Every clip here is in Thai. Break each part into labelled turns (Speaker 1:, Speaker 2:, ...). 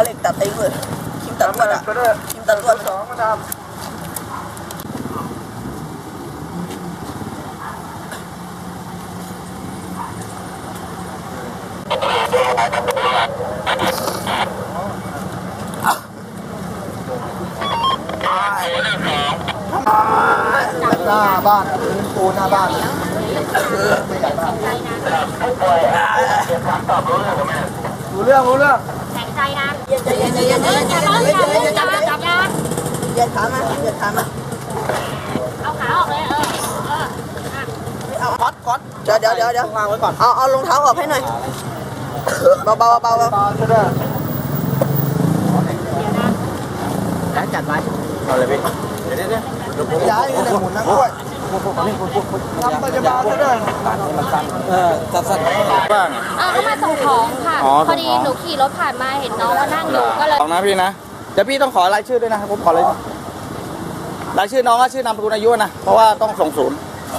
Speaker 1: เหล็กตัดทิ้งเลยคิมตัดลวดอ่ะคิมตัดลวดสองมาทำหน้าบ้านปูหน้าบ้านไม่ใหญ่มากรู้เรื่อง
Speaker 2: แข็งใจนะ
Speaker 1: เย็น
Speaker 2: อย่าร้องอย่าจับยา
Speaker 1: เย็นขามา
Speaker 2: เอาขาออกเลย
Speaker 1: เอาก๊อตเดี๋ยววางไว้ก่อนเอารองเท้าออกให้หน่อยเบาจะได้แล้วจัดไว้เอาเลยพี่เดี๋ยวย้ายเลยหมุนนะกล้วยทำปัจจุบันจะได้สั้น
Speaker 2: เ
Speaker 3: บ้าง
Speaker 2: ขามาส่งของค่ะพอดีหนูขี่รถผ่านมาเห็นน้องก็นั่งอยู่ก็เลย
Speaker 3: ลองนะพี่นะเดี๋ยวพี่ต้องขอรายชื่อด้วยนะครับผมขอรายชื่อน้องและชื่อนามสกุลอายุนะเพราะว่าต้องส่งศูนย์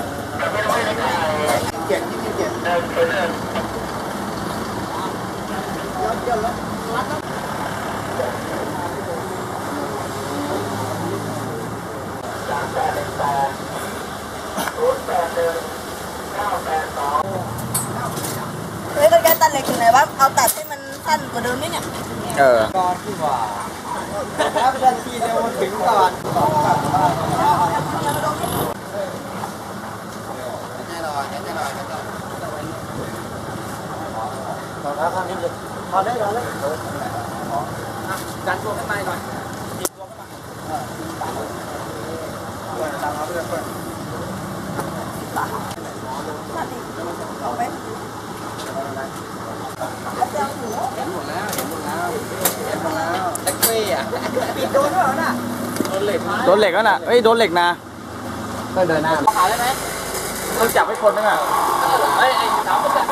Speaker 1: เฮ้ยแกตัดเหล็กถึงไหนวะเอาตัดให้มันสั้นกว่าเดิมนิดเนี่ยก่อนที่ว่าแล้วทันทีเดียวถึงก่อนต่อแล้วข้างนี้เลยพอได้แล้วเลยดันตัวขึ้นมาหน่อยดีตัวขึ้นมาตามมาเพื่อนเอาไหมเห็นหมดแล้วแท็กซี่อ่ะปิดโดนด้วยเหรอน่ะโดนเหล็ก
Speaker 3: แล้วน่ะโดนเหล็กนะ
Speaker 1: ก็เดินหน้าขายได้ไหม
Speaker 3: ต้องจับให้คนนึงอ่ะ
Speaker 1: ไอ้สาวก็จับ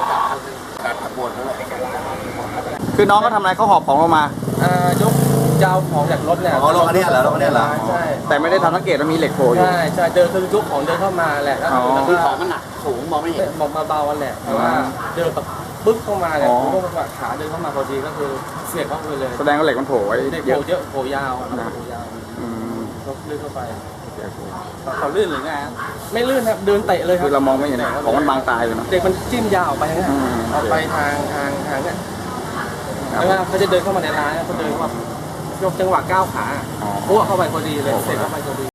Speaker 3: คือน้องก็ทำอะไรเขาหอบของลงมาย
Speaker 4: กยาวของจากรถเนี่ย
Speaker 1: ลงอันนี้เหรอลงอันนี้เหรอ
Speaker 4: ใช่
Speaker 3: แต่ไม่ได้ทำสังเกตว่ามีเหล็กโผล่อยู่
Speaker 4: ใช่เดินคือยกของเดินเข้ามาแหละ
Speaker 1: คือของมันหนักสูงมองไม่เห็น
Speaker 4: มองมาเบาแหละแต่ว่าเดินแบบปึ๊บเข้ามาเนี่ยผมก็ขาเดินเข้ามาพอดีก็คือเสียบเข้าไปเลย
Speaker 3: แสดงว่าเหล็กมันโผล่ไว้
Speaker 4: เยอะโผล่ยาวก็ลื่นเข้าไป
Speaker 3: เขาลื่นหรือไง
Speaker 4: ไม่ลื่นครับเดินเตะเลยครับ
Speaker 3: คือเรามองไม่เห็นของมันบางตายเลยนะ
Speaker 4: เด็กมันจิ้มยาวไปนะเอาไปทางเนี่ยแล้วเขาจะเดินเข้ามาในร้านเขาเดินเข้ามายกจังหวะก้าวขาพวกเข้าไปพอดีเลยเสร็จเข้าไปพอดี